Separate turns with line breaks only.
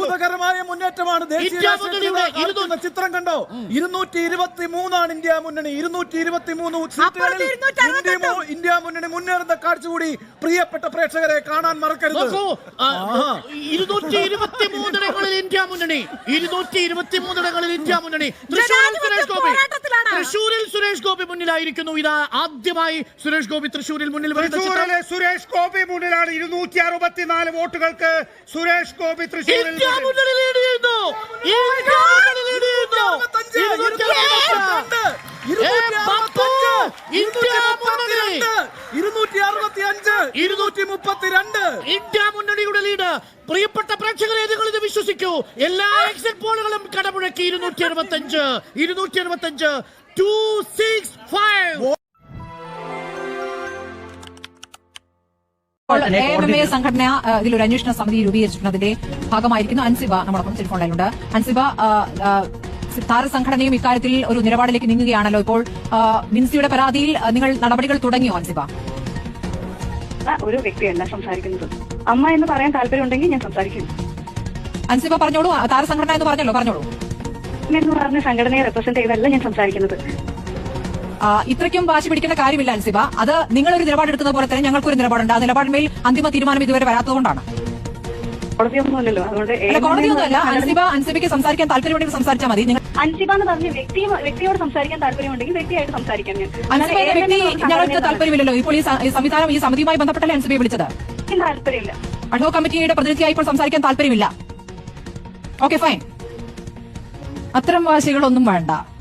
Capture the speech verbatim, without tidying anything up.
അത്ഭുതകരമായ മുന്നേറ്റമാണ്. ദേശീയ ചിത്രം കണ്ടോ? ഇരുന്നൂറ്റി ഇരുപത്തി മൂന്നാണ് ഇന്ത്യ മുന്നണി. ഇരുന്നൂറ്റി ഇരുപത്തി മൂന്ന് സീറ്റുകളിൽ ഇന്ത്യ മുന്നണി മുന്നേറുന്ന കാഴ്ച കൂടി പ്രിയപ്പെട്ട പ്രേക്ഷകരെ കാണാൻ മറക്കരുത്.
ഇരുന്നൂറ്റി ഇരുപത്തി മൂന്നിടങ്ങളിൽ ഇന്ത്യ മുന്നണി ഇരുന്നൂറ്റി ഇരുപത്തി മൂന്നിടങ്ങളിൽ ഇന്ത്യ മുന്നണി തൃശൂരിൽ സുരേഷ് ഗോപി തൃശൂരിൽ സുരേഷ് ഗോപി മുന്നിലായിരിക്കുന്നു. ഇതാ ആദ്യമായി സുരേഷ് ഗോപി തൃശൂരിൽ മുന്നിൽ
തൃശൂരിലെ സുരേഷ് ഗോപി മുന്നിലാണ്. ഇരുന്നൂറ്റി അറുപത്തിനാല് വോട്ടുകൾക്ക് സുരേഷ് ഗോപി തൃശൂരിൽ
ഇന്ത്യ മുന്നണിയുടെ ലീഡ്. പ്രിയപ്പെട്ട പ്രേക്ഷകരെ, നിങ്ങൾ ഇത് വിശ്വസിക്കൂ. എല്ലാ എക്സിറ്റ് പോളുകളും കടമുഴക്കി. ഇരുന്നൂറ്റി അറുപത്തി അഞ്ച് ഇരുന്നൂറ്റി അറുപത്തി അഞ്ച് ടു സിക്സ് ഫൈവ്
സംഘടന ഇതിലൊരു അന്വേഷണ സമിതി രൂപീകരിച്ചിട്ടുള്ളതിന്റെ ഭാഗമായിരിക്കുന്നു. അൻസിബ നമ്മളൊപ്പം ടെലിഫോൺ ലൈനിലുണ്ട്. അൻസിബ, താരസംഘടനയും ഇക്കാര്യത്തിൽ ഒരു നിലപാടിലേക്ക് നീങ്ങുകയാണല്ലോ. ഇപ്പോൾ വിൻസിയുടെ പരാതിയിൽ നിങ്ങൾ നടപടികൾ തുടങ്ങിയോ അൻസിബ?
ഒരു വ്യക്തിയല്ല സംസാരിക്കുന്നത്. അമ്മ എന്ന് പറയാൻ താല്പര്യമുണ്ടെങ്കിൽ ഞാൻ സംസാരിക്കും.
അൻസിബ പറഞ്ഞോളൂ. താരസംഘടന എന്ന് പറഞ്ഞല്ലോ, പറഞ്ഞോളൂ.
എന്ന് പറഞ്ഞ സംഘടനയെ റെപ്രസെന്റ് ചെയ്തല്ല ഞാൻ സംസാരിക്കുന്നത്.
ഇത്രയ്ക്കും വാശി പിടിക്കേണ്ട കാര്യമില്ല അൻസിബ. അത് നിങ്ങളൊരു നിലപാടെടുക്കുന്ന പോലെ തന്നെ ഞങ്ങൾക്കൊരു നിലപാടുണ്ട്. ആ നിലപാടിന്മേൽ അന്തിമ തീരുമാനം ഇതുവരെ വരാത്തതുകൊണ്ടാണ്.
കോടതിയൊന്നുമല്ലല്ലോ, അതുകൊണ്ട്
കോടതിയൊന്നുമല്ല. അൻസിബ അൻസിബയ്ക്ക് സംസാരിക്കാൻ താല്പര്യമുണ്ടെങ്കിൽ സംസാരിച്ചാൽ മതി.
അൻസിബ എന്ന് പറഞ്ഞ വ്യക്തി വ്യക്തിയോട് സംസാരിക്കാൻ താല്പര്യമുണ്ടെങ്കിൽ വ്യക്തിയായിട്ട് സംസാരിക്കാം. ഞാൻ
അൻസിബയുടെ വ്യക്തി ഞങ്ങൾക്ക് താല്പര്യമില്ലല്ലോ. ഇപ്പോൾ ഈ സംവിധാനം ഈ സമിതിയുമായി ബന്ധപ്പെട്ടല്ലേ അൻസിബയെ വിളിച്ചത്?
താല്പര്യമില്ല.
അഡ്ഹോക് കമ്മിറ്റിയുടെ പ്രതിനിധിയായി ഇപ്പോൾ സംസാരിക്കാൻ താല്പര്യമില്ല. Okay, fine. അത്തരം വാശികളൊന്നും വേണ്ട.